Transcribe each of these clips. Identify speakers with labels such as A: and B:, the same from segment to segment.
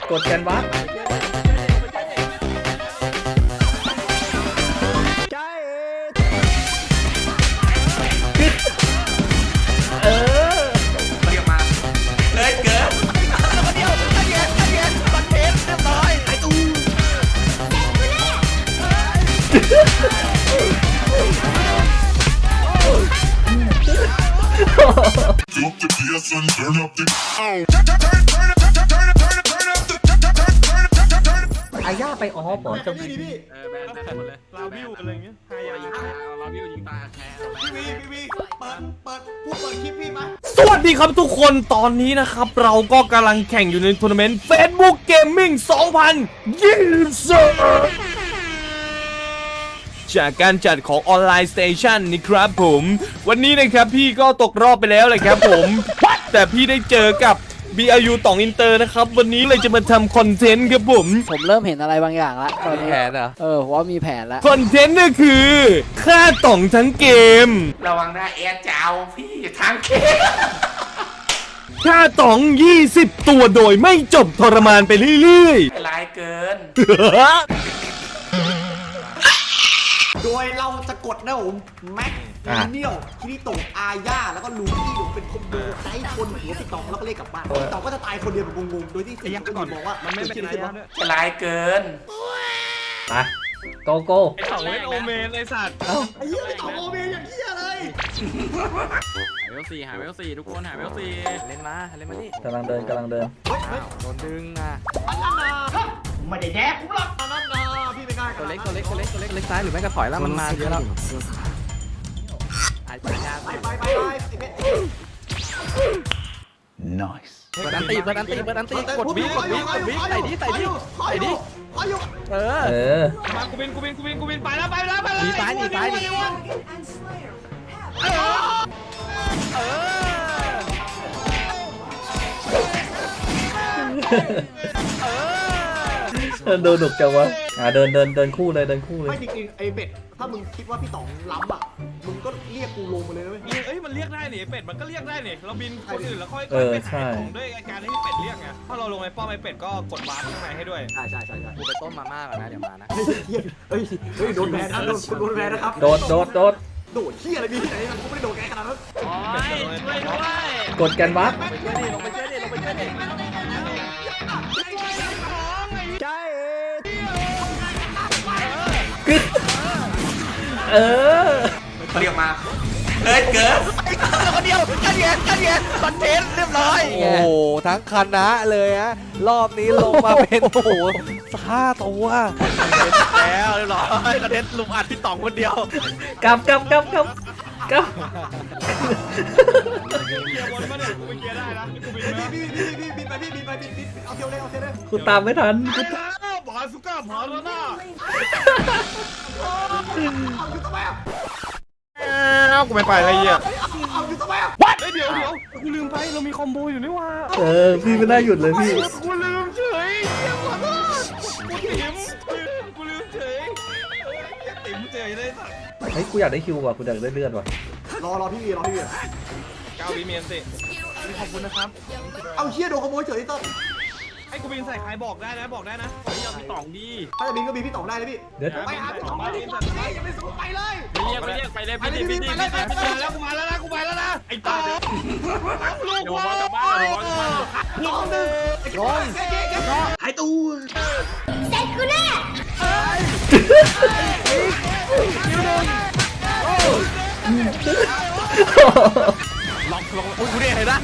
A: กดแคนวาส
B: เรียกมาเลยเกินคนเดียวถ้าเย็นคอนเทนต์เรียบร้อยไอ้ตู้
A: อาย่าไปออฟเหรอจะมี
B: แบนหมดเลย
C: ลาวิวอะไรเงี้ยฮายา
B: ยิงตาเราวิวยิงตาแคร์
D: พี่เปิดคลิปพี่มา
C: สวัสดีครับทุกคนตอนนี้นะครับเราก็กำลังแข่งอยู่ในทัวร์นาเมนต์ Facebook Gaming 2020 จากการจัดของออนไลน์สเตชันนี่ครับผมวันนี้นะครับพี่ก็ตกรอบไปแล้วเลยครับผม แต่พี่ได้เจอกับ BRU ต่องอินเตอร์นะครับวันนี้เลยจะมาทำคอนเทนต์ครับผม
E: เริ่มเห็นอะไรบางอย่างละตอนนี้
F: แผนเหรอ
E: ผมว่ามีแผนแล้ว
C: คอนเทนต์ก็คือฆ่าต่องทั้งเกม
B: ระวังนะแอร์เจ้าพี่ทางเค
C: ฆ่าต่อง 20 ตัวโดยไม่จบทรมานไปเรื่อย
B: ลายเกิน
D: โดยเราจะกดนะผมแม็กเนียลคิริโตะอาญาแล้วก็ลูกี้ผมเป็นคอมโบใช้คนหัวพี่ตองแล้วก็เรียกกลับบ้านพี่ตองก็จะตายคนเดียวแบบงงๆโดยที่สิ่งที่ก่อนบอกว่ามันไม่เป็นไรด้วย
B: ลายเกิน
A: ไปโกโก้
C: ไอ้ต่องเล่นโอเมนไอ้สัตว์
A: เอ้า
D: ไอ้เหี้ยพี่ตองโอเมอย่างเหี้ยเลย
B: หาเวลสี่ทุกคนหาเวลสี่
F: เล่นมาดิ
A: กำลังเดิน
F: อ้าวโดนดึงอ่ะ
D: ไม่ได้แดกกูหรอกตอนนั้นนะพี่ไม่กล้า
F: ตัวเล็กซ้ายหรือไม่ก็ถอยแล้วมันมาเยอะแล้วไอ้ปัญญา
D: ไปไอ้เบ็ด
F: เปิดอันตีกดวิใส่ดิ
A: เออ
C: มากูบินไปแล้ว
F: หนีซ้าย
A: โดนดุกจังวะเดินคู่เลย
D: ไม่จริงๆไอ้เบ็ดถ้ามึงคิดว่าพี่ตองล้ำอ่ะมึงก็เรียกกูลงมาเลยนะเว้ย
C: เอ้ยมันเรียกได้นี่เป็ดมันก็เรียกได้นี่เราบินคนอื่นแล้วค่อยไปหาของด้วยการที่เป็ดเรียกไงถ้าเราลงไอ้ป้อมไอ้เป็ดก็กดวาร์ปข้างในให้ด้วย
D: ใช่
F: กูไปต้มมาม่าก่อนนะเดี๋ยวมานะ
D: เฮ้ยโดนแบนนะโดนแบนนะครับ
A: โดด
D: โดดเหี้ยอะไรมีที่ไหนมันกูไม่ได้โดดแกขนาดนั้น
A: กดแคนวาส
F: ลงไปช่วยดิ
A: เออ
B: เรียกมาเลยเกินคนเดียวถ้าเย็นคอนเทนต์เรียบร้อย
F: โอ้โหทั้งคณะเลยฮะรอบนี้ลงมาเป็นโอ้โห5 ตัว
B: แล้วเรียบร้อยคอนเทนต์ลุมอัดพี่ต๋องคนเดียว
A: กลับ
C: เกียร์บนมาเนี่ยกูไปเกียร์ได้นะกูบินนะ
D: บินไปเอาเที่ยวเลย
A: กูตามไม่ทัน
C: บาสุก้าพาแล้วนะ
D: เอาอยู่ทำไมอ่ะ
C: กูไม่ไปอะไรเงี้ย
D: เอาอยู่ทำไมอ่ะ
C: เดี๋ยวกูลืมไปเรามีคอมโบอยู่นี่ว่า
A: พี่ไม่ได้หยุดเลยพี่
C: กูลืมเฉยขอโทษกูลืมเฉยติ๋มเฉยเลยสัตว์
A: เฮ้ย กูอยากได้คิวว่ะ กูอยากได้เลือดว่ะ
D: รอพี่วี
C: 9 วิเมียนสิขอบคุณนะครับ
D: เอาเชี่ยโดนขโมยเฉยต้น
C: ไอ้กูบินใส่ใครบอกได้นะไม่ยอมพี่ต๋องดี
D: ถ้าจะบินก็บินพี่ต๋องได้เลยพี่
A: เดี๋ยว
D: ไปหาพี่ต๋องเลยอย่าไปสู้ไปเลย
C: ไปเรียกไปเลยแล้วกูมาแล้วนะไอ้ต๋องลูกว่าลูกนึง
D: หายตู้
B: ล็อกอุ้ยกูเนี่ยเห็นปะ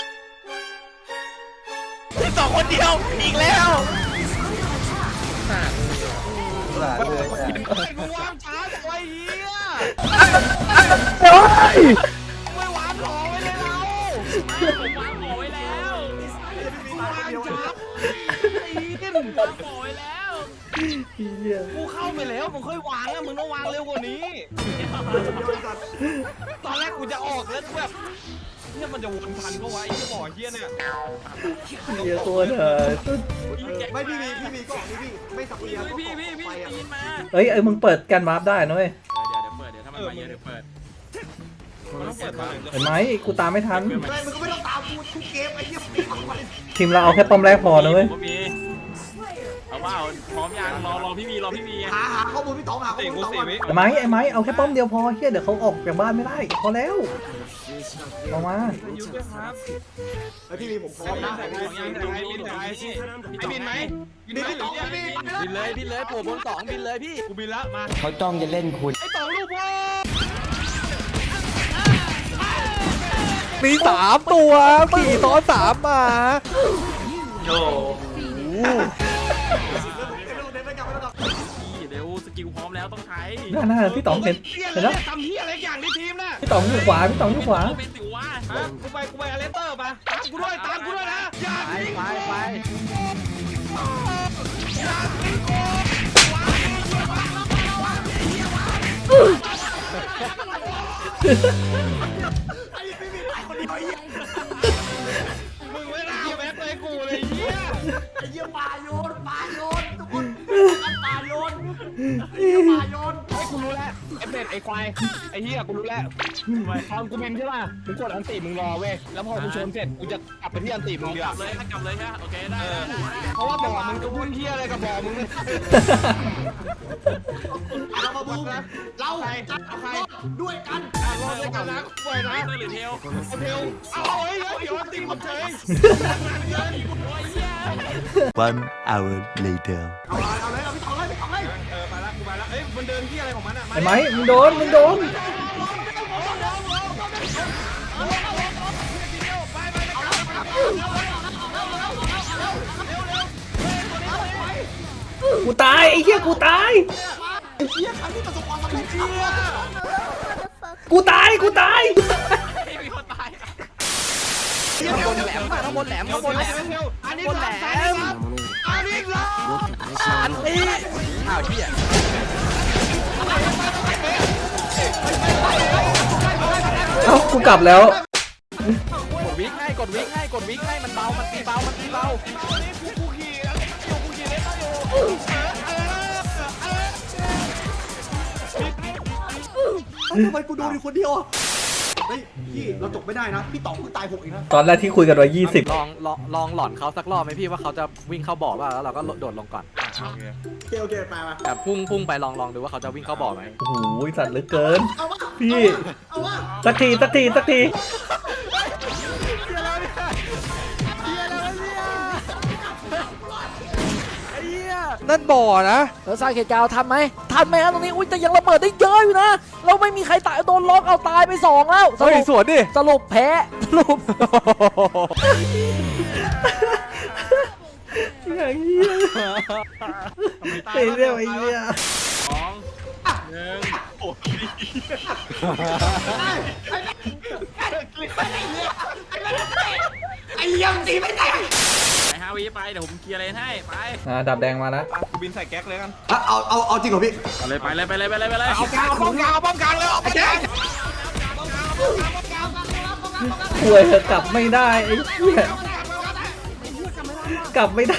B: พี่ต๋องคนเดียวอีกแล้ว
C: กูวางช้าจังไอ้เหี้ยไม่วางหอไว้เลยเราผมวางหอไว้แล้ววางช้าตีนวางหอไว้แล้วกูเข้าไปแล้วมึงค่อยวางอะมึงต้องวางเร็วกว่านี้ตอนแรกกูจะออกแล้วแบบเนี่ยมันจะวนทันก็วะไอ้เหี้ยบ่อเหี้ยเนี่ย
A: เหี้ยตัวเถอะ
D: ไม่พี่วีก็พี่ไม่สับเอีย
C: พี่ตีนมา
A: เอ้ย มึงเปิดแคนวาสได้นะเว้ย
B: เดี๋ยวเปิดเดี๋ยวถ้ามันมาเยอะเดี๋ยวเปิด
C: มันต้องเปิดมา
A: เห็นไหมกูตามไม่ทัน
D: ไม่มึงก็ไม่ต้องตามกูทุกเกมไอ้เหี้ย
A: ทีมเราเอาแค่ป้อมแรกพอนะเว้ย
B: ผมมี
C: ล่าพร้อมยังรอพี่มี
D: หาข้อมูลพี่ต๋องหาข้อมูลพี่ต๋องก่อน
A: ไอ้ไม้เอาแค่ป้อมเดียวพอเฮียเดี๋ยวเขาออกจากบ้านไม่ได้พอแล้วออกมา
C: ยุทธด้วยครับ
D: เฮ้ยพี่มีผมพร้อมนะ
C: ไอ้บินไหม
D: บินพี่ต๋องบิน
F: บินเลยปู่บน2บินเลยพี่
C: กูบินแล้วมา
G: เขาจ้องจะเล่นคุณ
C: ไอ้ต่อลูกพ่อ
F: มี3ตัวขี่ซ้อน3มา
A: โย
C: เดี๋ยวสกิลพร้อมแล้วต้องใช้
A: หน้าพี่ต๋องเห็นแล้ว
C: ทำเฮียอะไรอย่างในทีมน่ะ
A: พี่ต๋องอยู่ขวาพี่ต๋องอยู่ขวา
C: เป็นสิวะกูไปอเลสเตอร์ปะตามกูด้วยนะอย่าทิ้ง
F: ไป
C: มึงไม่น่าแบ็คเลยกูเลยเฮีย
D: ไอ้เหี้ยป่าโยนทุกคนป่าโยนไอ้เหี้ยป่าโยน
C: ไอ้กูรู้แล้วไอ้เป็ดไอ้ควายไอ้เฮียกูรู้แล้วตอนกูบินใช่ป่ะมึงกดอันติมึงรอเว้ยแล้วพอกูชนเสร็จกูจะกลับไปที่อันติมึงเดียวกลับเลยใช่โอเคได้เพราะว่าบ่อมึงจะวุ่นเฮียอะไรกับบ่อมึงเนี่ย
D: เรามาบูมเราจะรอดด้วยกัน
C: รอดด้วยกันนะปล่อยนะหรือเทลเอาเฮ้ยเดี๋ยวอันติผมเฉย
G: One hour later
D: เอาเลยพี่ต๋องเลย
C: มาละเอ้ยมันเดินที่อะไรของมันอ่ะ
A: ไอ้ไม้มึงโดนกูตายไอ้เหี้ยกูตาย
D: ไอ้เหี้ยครั้งที่ประสบความสำเร็จ
A: กูตาย
C: มีคนตาย
F: ข้างบนแหลมข้างบนแหลม
C: อันนี้แหลมอันนี้แหลม
F: อันนี้อ้าวเหี้ย
A: เอ้ากูกลับแล้ว
F: กดวิกให้มันเบามันตีเบา
C: กูขี่แล้วกูขี่เล่นอยู่
D: ทำไมกูโดนอยู่คนเดียวอ่ะเฮ้ยพี่เราจบไม่ได้นะพี่ต๋องเพิ่งตาย6เองนะ
A: ตอนแรกที่คุยกันไว้20
F: ลองหลอนเขาสักรอบไหมพี่ว่าเขาจะวิ่งเข้าบ่อป่ะแล้วเราก็โดดลงก่อน
D: โอเคไปมา
F: แบบพุ่งไปลองดูว่าเขาจะวิ่งเข้าบ่อไหม
A: โอ้โหสัตว์เหลือเกิน
D: เอาวะ
A: พี่
D: เอาวะ
A: สักที
F: นั่นบ่อนะ
E: แล้วสร้างเหตุการณ์ทันไหมครับตรงนี้อุ้ยแต่ยังระเบิดได้เยอะอยู่นะเราไม่มีใครตายโดนล็อกเอาตายไป2แล้วส
F: เฮ้ย
E: รุป
F: สวนดิ
E: สรุปแพ้สรุป
A: อย่างเงี้ยไอ้เรื่องไอ้เหี้ย
D: ไอ้เหี้ยมันตีไม่ได้
C: ไป5 วิไปเดี๋ยวผมเคลียร์เลนให้ไป
A: ดับแดงมาแล้ว
C: กูบินใส่แก๊กเลยกัน
D: เอาจริงเหรอพี่
C: ไปเลย
D: เอากลางป้อมกลางเลยไอ้แจ๊ค
A: ป่วยเถอะกลับไม่ได้ไอ้เหี้ยกลับไม่ได้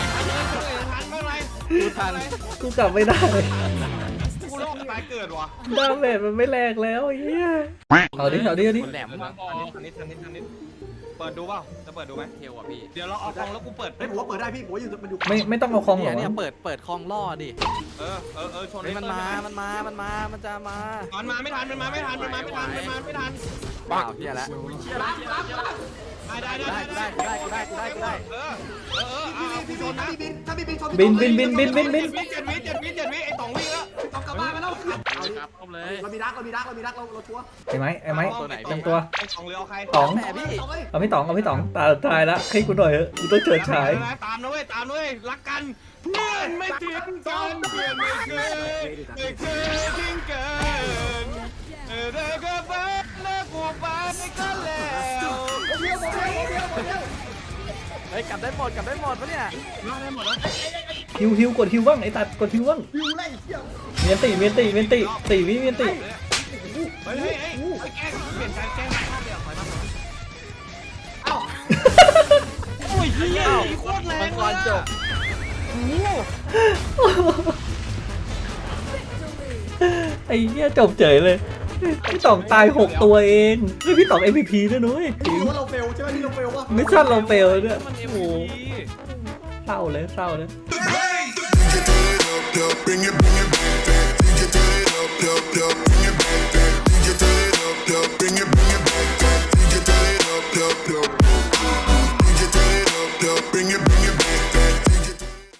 A: กูกลับไม่ได้
C: กูรอดตายเกิดวะ
A: ดาเมจมันไม่แรงแล้วไอ้เหี้ยเอาดิ
C: แหลมมาทันนิดเปิดดูเปล่าจะเปิดดูไหมเทวอ่ะพี่เดี๋ยวเราเอากองแล้วกูเปิด
D: เฮ้ยผมว่าเปิดได้พี่ผมว่าอยู่มันอยู่
A: ไม่ต้องเอาคองหร
F: เนี่
A: อย
F: เปิดคลองล่อดิ
C: ชน
F: เฮ้ยมันจะมา
C: มันมาไม่ทัน
F: เปล่าเหี้ยแล้ว
C: ได้
D: พี่บินถ้าพี่บินชน
A: บิน
C: 7 วิไอ้2 วิแล้ว
D: ต้องกลับบ้านไปแล้ว
C: ครับครบเลย
D: เรามีรักเราชัวร์
A: ไอ้ไม้เต็มตัว
C: ไอ้2เรือเอาใคร
A: ต๋อง
F: แหมพี่
A: เอาพี่ต๋องตายละให้กูหน่อยเถอะกูต้องเฉิดฉาย
C: ตามนะเว้ยรักกันเพื่อนไม่ทิ้งกันเพื่อนไม่เคยทิ้งกันเด็กก็บ้านแล้วกูไปก็แล้ว
F: เฮ้ยกลับได้หมดปะเนี่ย
A: ฮิวกดฮิวบ้างไอ้ตัดกดฮิวบ้าง
D: วิวไล่เที่ยว
A: เมียนตี4 วิเมียนตี
C: เฮ้ยแกล้งเปลี่ยนการแกล้งเข้าไปถอยมาโอ้ยเฮียโคตรแรง
F: มังกรจบ
A: ไอ้เหี้ยจบเฉยเลยพี่ต๋องตาย6ตัวเองเฮ้ยพี่ต๋อง MVP ด้วยนุ้ย
D: พี่ว่าเราเฟลใช่ไหมที่เราเฟลวะ
A: ไม่ใช่เราเฟลเนี่ย
C: มัน
A: โอ้โหเศร้าเลย
B: Praise